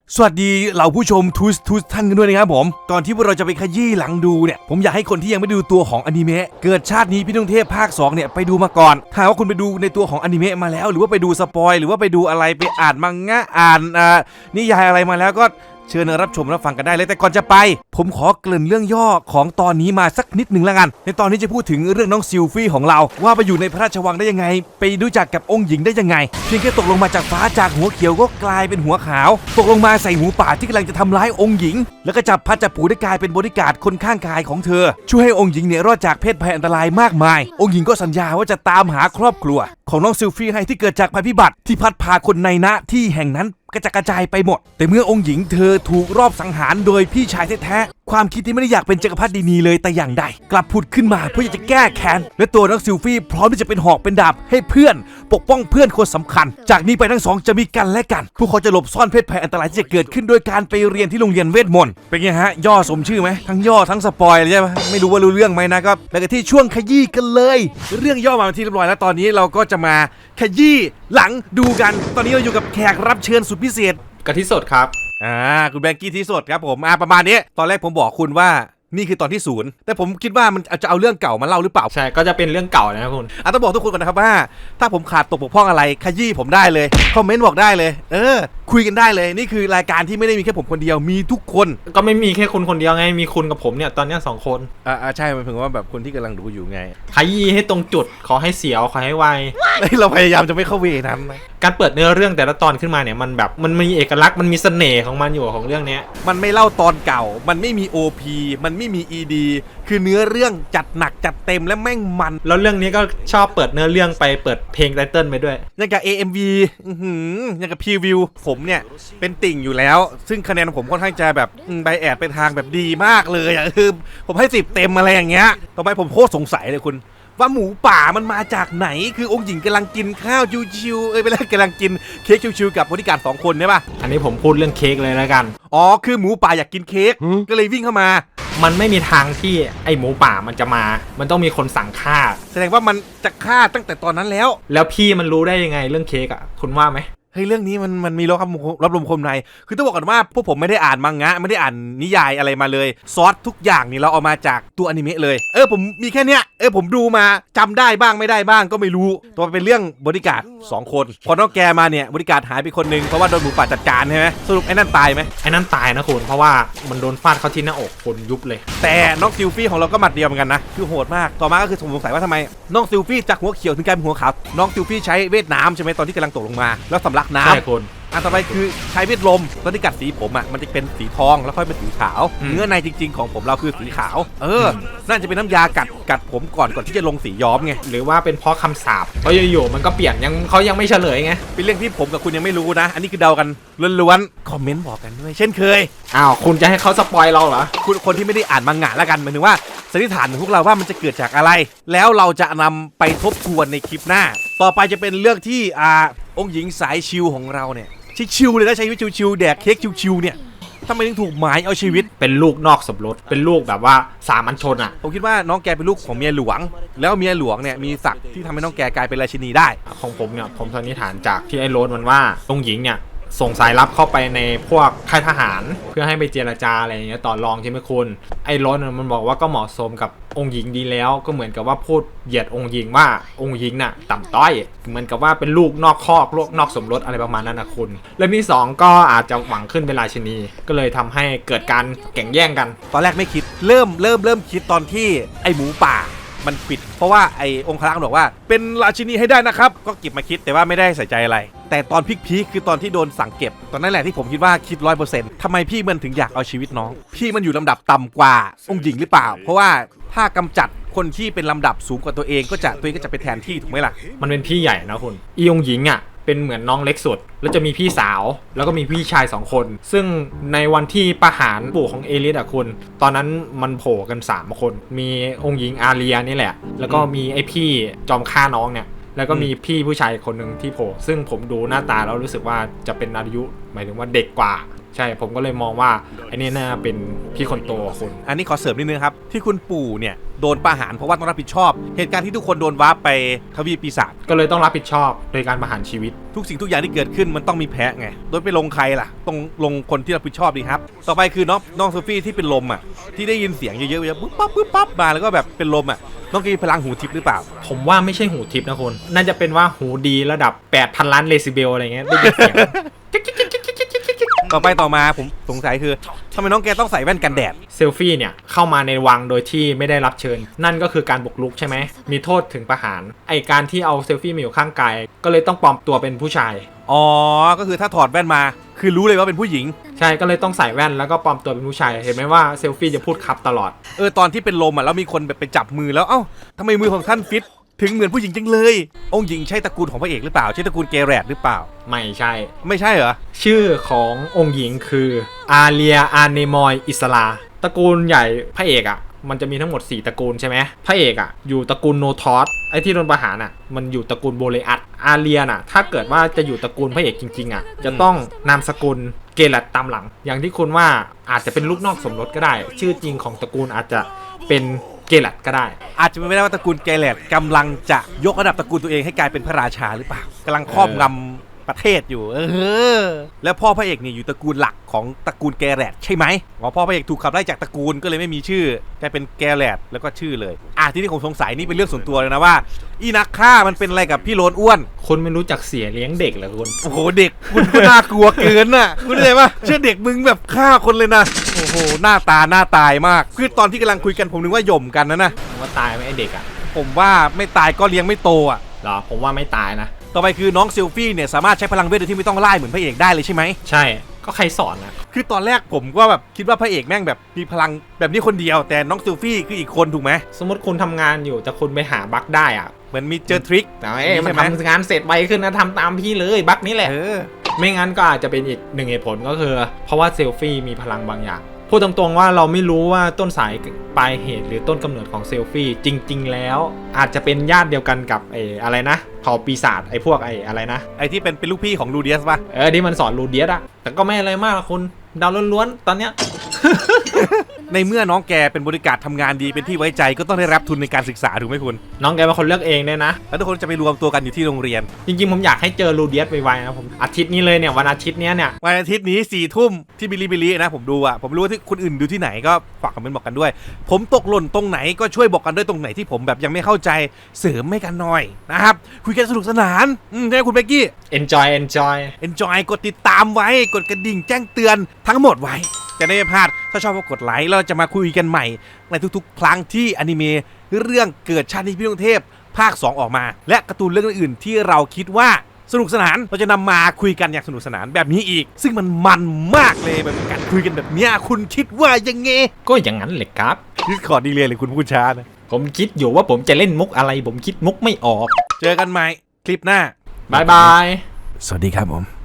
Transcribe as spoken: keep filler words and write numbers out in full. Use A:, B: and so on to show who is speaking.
A: สวัสดีเหล่าผู้ชมทุสทุสท่านกันด้วยนะครับผมก่อนที่พวกเราจะไปขยี้หลังดูเนี่ยผมอยากให้คนที่ยังไม่ดูตัวของอนิเมะเกิดชาตินี้พี่ดวงเทพภาคสองเนี่ยไปดูมาก่อนถ้าว่าคุณไปดูในตัวของอนิเมะมาแล้วหรือว่าไปดูสปอยหรือว่าไปดูอะไรไปอ่านมังงะอ่านอ่านิยายอะไรมาแล้วก็เชิญรับชมรับฟังกันได้เลยแต่ก่อนจะไปผมขอเกริ่นเรื่องย่อของตอนนี้มาสักนิดหนึ่งละกันในตอนนี้จะพูดถึงเรื่องน้องซิลฟี่ของเราว่าไปอยู่ในพระราชวังได้ยังไงไปรู้จักกับองค์หญิงได้ยังไงเพียงแค่ตกลงมาจากฟ้าจากหัวเขียวก็กลายเป็นหัวขาวตกลงมาใส่หมูป่าที่กำลังจะทำร้ายองค์หญิงแล้วก็จับพัดจับผูได้กลายเป็นบริการคนข้างกายของเธอช่วยให้องค์หญิงเนี่ยรอดจากเพศภัยอันตรายมากมายองค์หญิงก็สัญญาว่าจะตามหาครอบครัวของน้องซิลฟี่ให้ที่เกิดจากภัยพิบัติที่พัดพาคนในณที่แห่งนั้นกระจายกระจายไปหมดแต่เมื่อองค์หญิงเธอถูกรอบสังหารโดยพี่ชายแท้ๆความคิดที่ไม่ได้อยากเป็นจักรพรรดินีเลยแต่อย่างใดกลับผุดขึ้นมาเพื่อจะแก้แค้นและตัวน้องซิลฟี่พร้อมที่จะเป็นหอกเป็นดาบให้เพื่อนปกป้องเพื่อนคนสำคัญจากนี้ไปทั้งสองจะมีกันและกันพวกเขาจะหลบซ่อนเพศภัยอันตรายที่จะเกิดขึ้นโดยการไปเรียนที่โรงเรียนเวทมนต์เป็นไงฮะย่อสมชื่อไหมทั้งย่อทั้งสปอยเลยใช่ไหมไม่รู้ว่ารู้เรื่องไหมนะก็แล้วก็ที่ช่วงขยี้กันเลยเรื่องย่อมาที่เรียบร้อยแล้วตอนนี้เราก็จะมาขยี้หลังดูกันตอนนี้เราอยู่กับแขกรับเชิญสุดพิเศษ
B: กะทิสดครับ
A: อ่าคุณแบงกี้ที่สดครับผมอ่าประมาณนี้ตอนแรกผมบอกคุณว่านี่คือตอนที่ศูนย์แต่ผมคิดว่ามันจะเอาเรื่องเก่ามาเล่าหรือเปล่า
B: ใช่ก็จะเป็นเรื่องเก่านะครับคุณ
A: อ่ะต้องบอกทุกคนก่อนนะครับว่าถ้าผมขาดตกบกพร่องอะไรขยี้ผมได้เลยคอมเมนต์บอกได้เลยเออคุยกันได้เลยนี่คือรายการที่ไม่ได้มีแค่ผมคนเดียวมีทุกคน
B: ก็ไม่มีแค่คุณคนเดียวไงมีคุณกับผมเนี่ยตอนนี้สองคน
A: อ่าใช่มันถึงว่าแบบคนที่กำลังดูอยู่ไง
B: ขยี้ให้ตรงจุดขอให้เสียวขอให้ไว
A: เราพยายามจะไม่เข้าเวนั้นนะ
B: การเปิดเนื้อเรื่องแต่ละตอนขึ้นมาเนี่ยมันแบบมันมีเอกลักษณ์มันมีเสน่ห์ของมันอยู่ของเรื่องนี้
A: มันไม่เล่าตอนเก่ามันไม่มี โอ พี มันไม่มี อี ดี คือเนื้อเรื่องจัดหนักจัดเต็มและแม่งมัน
B: แล้วเรื่องนี้ก็ชอบเปิดเนื้อเรื่องไปเปิดเพลงไตเติ้ลไปด้วย
A: อย่างกับ เอ เอ็ม วี อื้อหืออย่างกับพรีวิวผมเนี่ยเป็นติ่งอยู่แล้วซึ่งคะแนนผมค่อนข้างจะแบบไบแอดเป็นทางแบบดีมากเลยอ่ะคือผมให้สิบเต็มอะไรอย่างเงี้ยต่อไปผมโคตรสงสัยเลยคุณว่าหมูป่ามันมาจากไหนคือองค์หญิงกำลังกินข้าวชิวๆเอ้ยไปแล้วกำลังกินเค้กชิวๆกับบริการสองคนใช่ป่ะ
B: อันนี้ผมพูดเรื่องเค้กเลยแล้วกัน
A: อ๋อคือหมูป่าอยากกินเค้กก็เลยวิ่งเข้ามา
B: มันไม่มีทางที่ไอหมูป่ามันจะมามันต้องมีคนสั่งฆ่า
A: แสดงว่ามันจะฆ่าตั้งแต่ตอนนั้นแล้ว
B: แล้วพี่มันรู้ได้ยังไงเรื่องเค้กอ่ะคุณว่าไหม
A: เฮ้ยเรื่องนี้มันมันมีรับรับลมคมในคือต้องบอกก่อนว่าพวกผมไม่ได้อ่านมังงะไม่ได้อ่านนิยายอะไรมาเลยซอสทุกอย่างนี่เราเอามาจากตัวอนิเมะเลยเออผมมีแค่เนี้ยเออผมดูมาจำได้บ้างไม่ได้บ้างก็ไม่รู้ตัวเป็นเรื่องบริการสองคนพอน้องแกมาเนี่ยบริการหายไปคนนึงเพราะว่าโดนหมูป่าจัดการใช่ไหมสรุปไอ้นั่นตายไหม
B: ไอ้นั่นตายนะคุณเพราะว่ามันโดนฟาดเข้าที่หน้าอกคนยุบเลย
A: แต่น้องซิลฟี่ของเราก็หมัดเดียวเหมือนกันนะคือโหดมากต่อมาก็คือผมสงสัยว่าทำไมน้องซิลฟี่จากหัวเขียวถึงกลายเป็นหัวขาวน้องซิลฟี่ใช้เวทน้ำใช่ไหมตอนที่กำลังตกลงมาแล้วสำลักน้ำ
B: ใช่คุณ
A: อันต่อไปคือใช้เวทลมตอนที่กัดสีผมอ่ะมันจะเป็นสีทองแล้วค่อยเป็นสีขาวเนื้อในจริงๆของผมเราคือสีขาวเออน่าจะเป็นน้ำยากัดกัดผมก่อนก่อนที่จะลงสีย้อมไง
B: หรือว่าเป็นเพราะคำสาปเพราะอยู่ๆมันก็เปลี่ยนยังเขายังไม่เฉลยไง
A: เป็นเรื่องที่ผมกับคุณยังไม่รู้นะอันนี้คือเดากันล้วนๆคอมเมนต์บอกกันด้วยเช่นเคย
B: อ้าวคุณจะให้เขาสปอยเราเหรอ
A: คุณคนที่ไม่ได้อ่านมังงะแล้วกันหมายถึงว่าสันนิษฐานของพวกเราว่ามันจะเกิดจากอะไรแล้วเราจะนำไปทบทวนในคลิปหน้าต่อไปจะเป็นเรื่องที่อ่าองค์หญิงสายชิวของเราเนี่ยชิวๆเลยนะใช้ชีวิตชิวๆแดกเค้กชิวๆเนี่ยทำไมถึงถูกหมายเอาชีวิต
B: เป็นลูกนอกสมรสเป็นลูกแบบว่าสามัญชนอ่ะ
A: ผมคิดว่าน้องแกเป็นลูกของเมียหลวงแล้วเมียหลวงเนี่ยมีศักดิ์ที่ทำให้น้องแกกลายเป็นราชินีได้
B: ของผมเนี่ยผมสันนิษฐานจากที่ไอ้โรสมันว่าองค์หญิงเนี่ยส่งสายลับเข้าไปในพวกค่ายทหารเพื่อให้ไปเจรจาอะไรอย่างเงี้ยต่อรองใช่ไหมคุณไอ้โรสมันบอกว่าก็เหมาะสมกับองค์หญิงดีแล้วก็เหมือนกับว่าพูดเหยียดองค์หญิงว่าองค์หญิงน่ะต่ำต้อยเหมือนกับว่าเป็นลูกนอกคอกลูกนอกสมรสอะไรประมาณนั้นนะคุณเรื่องที่สองก็อาจจะหวังขึ้นเป็นราชินีก็เลยทำให้เกิดการแข่งแย่งกัน
A: ตอนแรกไม่คิดเริ่มเริ่มเริ่มคิดตอนที่ไอ้หมูป่ามันปิดเพราะว่าไอ้องค์ครักษ์บอกว่าเป็นราชินีให้ได้นะครับก็เก็บมาคิดแต่ว่าไม่ได้ใส่ใจอะไรแต่ตอนพีคๆคือตอนที่โดนสั่งเก็บตอนนั้นแหละที่ผมคิดว่าคิด ร้อยเปอร์เซ็นต์ ทำไมพี่มันถึงอยากเอาชีวิตน้องพี่มันอยู่ลำดับต่ำกว่าองค์หญิงหรือเปล่าเพราะว่าถ้ากำจัดคนที่เป็นลำดับสูงกว่าตัวเองก็จะตัวเองก็จะไปแทนที่ถูกไหมล่ะ
B: มันเป็นพี่ใหญ่นะคุณอีองค์หญิงอ่ะเป็นเหมือนน้องเล็กสุดแล้วจะมีพี่สาวแล้วก็มีพี่ชายสองคนซึ่งในวันที่ประหารปู่ของเอลิสอะคุณตอนนั้นมันโผล่กันสามคนมีองค์หญิงอาเรียนี่แหละแล้วก็มีไอพี่จอมฆ่าน้องเนี่ยแล้วก็มีพี่ผู้ชายคนหนึ่งที่โผล่ซึ่งผมดูหน้าตาแล้วรู้สึกว่าจะเป็นอายุหมายถึงว่าเด็กกว่าใช่ผมก็เลยมองว่าไอ้นี่น่าเป็นพี่คนโตคุณ
A: อันนี้ขอเสริมนิดนึงครับที่คุณปู่เนี่ยโดนประหารเพราะว่าต้องรับผิดชอบเหตุการณ์ที่ทุกคนโดนวาร์ปไปทวีปปีศาจ
B: ก็เลยต้องรับผิดชอบโดยการประหารชีวิต
A: ทุกสิ่งทุกอย่างที่เกิดขึ้นมันต้องมีแพ้ไงโดยไปลงใครล่ะต้องลงคนที่รับผิดชอบดีครับต่อไปคือน้องน้องโซฟี่ที่เป็นลมอ่ะที่ได้ยินเสียงเยอะๆปุ๊บปั๊บปุ๊บปั๊บมาแล้วก็แบบเป็นลมอ่ะน้องกีพลังหูทิพย์หรือเปล่า
B: ผมว่าไม่ใช่หูทิพย์นะคุณน่าจะเป็นว่าหูดีระดับ แปดพัน ล้านเดซิเบลอะไรเงี้ยได้ยินเสียง
A: ต่อไปต่อมาผมสงสัยคือทำไมน้องแกต้องใส่แว่นกันแดด
B: เซลฟี่เนี่ยเข้ามาในวังโดยที่ไม่ได้รับเชิญ นั่นก็คือการบุกรุกใช่ไหมมีโทษถึงประหารไอการที่เอาเซลฟี่มาอยู่ข้างกายก็เลยต้องปลอมตัวเป็นผู้ชาย
A: อ๋อก็คือถ้าถอดแว่นมาคือรู้เลยว่าเป็นผู้หญิง
B: ใช่ก็เลยต้องใส่แว่นแล้วก็ปลอมตัวเป็นผู้ชายเห็นไหมว่าเซลฟี่จะพูดครับตลอด
A: เออตอนที่เป็นลมอ่ะแล้วมีคนแบบไปจับมือแล้วเอ้าทำไมมือของท่านฟิตถึงเหมือนผู้หญิงจังเลยองค์หญิงใช่ตระกูลของพระเอกหรือเปล่าใช่ตระกูลเกเรตหรือเปล่า
B: ไม่ใช่
A: ไม่ใช่เหรอ
B: ชื่อขององค์หญิงคืออาเลียอาเนมอยอิสลาตระกูลใหญ่พระเอกอ่ะมันจะมีทั้งหมดสี่ตระกูลใช่ไหมพระเอกอ่ะอยู่ตระกูลโนทอสไอที่โดนประหารอ่ะมันอยู่ตระกูลโบเลอัตอาเลียน่ะถ้าเกิดว่าจะอยู่ตระกูลพระเอกจริงๆอ่ะจะต้องนามสกุลเกลัดตามหลัง อย่างที่คุณว่าอาจจะเป็นลูกนอกสมรสก็ได้ ชื่อจริงของตระกูลอาจจะเป็นเกลัดก็ได้
A: อาจจะเป็นไม่ได้ว่าตระกูลเกเรตกำลังจะยกระดับตระกูลตัวเองให้กลายเป็นพระราชาหรือเปล่ากำลังครอบงำประเทศอยู่เออแล้วพ่อพระเอกเนี่ยอยู่ตระกูลหลักของตระกูลเกเรตใช่ไหมอ๋อพ่อพระเอกถูกขับไล่จากตระกูลก็เลยไม่มีชื่อกลายเป็นเกเรตแล้วก็ชื่อเลยอ่ะที่นี่ผมสงสัยนี่เป็นเรื่องส่วนตัวเลยนะว่าอีนักฆ่ามันเป็นอะไรกับพี่โลนอ้วน
B: คุณไม่รู้จักเสียเลี้ยงเด็กเหรอคุณ
A: โอ้โหเด็กคุณก็น่ากลัวเกินน่ะคุณเข้าใจปะเชื่อเด็กมึงแบบฆ่าคนเลยนะโอ้โหหน้าตาหน้าตายมากคือตอนที่กำลังคุยกันผมนึกว่าหย่มกันนะนะ
B: ว่าตายไหมไอเด็กอ่ะ
A: ผมว่าไม่ตายก็เลี้ยงไม่โตอ่ะ
B: เหรอผมว่าไม่ตายนะ
A: ต่อไปคือน้องเซลฟี่เนี่ยสามารถใช้พลังเวทโดยที่ไม่ต้องไล่เหมือนพระเอกได้เลยใช่ไหม
B: ใช่ก็ใครสอนนะ
A: คือตอนแรกผมก็แบบคิดว่าพระเอกแม่งแบบมีพลังแบบนี้คนเดียวแต่น้องเซลฟี่คืออีกคนถูกไหม
B: สมมติคุณทำงานอยู่แต่คุณไปหาบั๊กได้อ่ะ
A: เหมือนมีเจอทริค
B: แต่เอ้ยมัน
A: ใช่ไหม
B: ทำงานเสร็จไวขึ้นนะทำตามพี่เลยบั๊กนี้แหละ
A: เออ
B: ไม่งั้นก็อาจจะเป็นอีกหนึ่งเหตุผลก็คือ เพราะว่าเซลฟี่มีพลังบางอย่างพูดตรงๆว่าเราไม่รู้ว่าต้นสายปลายเหตุหรือต้นกำเนิดของเซลฟี่จริงๆแล้วอาจจะเป็นญาติเดียวกันกับไอ้อะไรนะเผ่าปีศาจไอ้พวกไอ้อะไรนะ
A: ไอที่เป็นเป็นลูกพี่ของลูเดียสป่ะ
B: เออที่มันสอนรูเดียสอะแต่ก็ไม่อะไรมากหรอกคุณเดาล้วนๆตอนเนี้ย
A: ในเมื่อน้องแกเป็นบริการทำงานดีเป็นที่ไว้ใจก็ต้องได้รับทุนในการศึกษาถูกไหมคุณ
B: น้องแกเป็นคนเลือกเองเนี่ยนะ
A: แล้วทุกคนจะไปรวมตัวกันอยู่ที่โรงเรียน
B: จริงๆผมอยากให้เจอรูเดียสไวๆนะผมอาทิตย์นี้เลยเนี่ยวันอาทิตย์เนี้ยเนี่ย
A: วันอาทิตย์นี้สี่ทุ่มที่บิลิบิลินะผมดูอ่ะผมรู้ว่าที่คนอื่นดูที่ไหนก็ฝากคอมเมนต์บอกกันด้วย ผมตกหล่นตรงไหนก็ช่วยบอกกันด้วยตรงไหนที่ผมแบบยังไม่เข้าใจเสริมให้กันหน่อยนะครับคุยกันสนุกสนานอืมใช่ไหมคุณเบกกี้
B: enjoy enjoy
A: enjoy กดติดตามไว้กดกระดิ่งแจ้งเตือนทั้งหมดไว้จะได้ไม่พลาดถ้าชอบก็กดไลค์แล้วเราจะมาคุยกันใหม่ในทุกๆ ครั้งที่อนิเมะเรื่องเกิดชาตินี้พี่ดวงเทพภาคสองออกมาและการ์ตูนเรื่องอื่นๆที่เราคิดว่าสนุกสนานเราจะนำมาคุยกันอย่างสนุกสนานแบบนี้อีกซึ่งมันมันมากเลยแบบการคุยกันแบบเนี้ยคุณคิดว่ายังไง
B: ก็อย่างนั้นเลยครับ
A: ดิสคอร์ดดีเลยเลยคุณพูดช้านะ
B: ผมคิดอยู่ว่าผมจะเล่นมุกอะไรผมคิดมุกไม่ออก
A: เจอกันใหม่คลิปหน้า
B: บายบาย
A: สวัสดีครับผม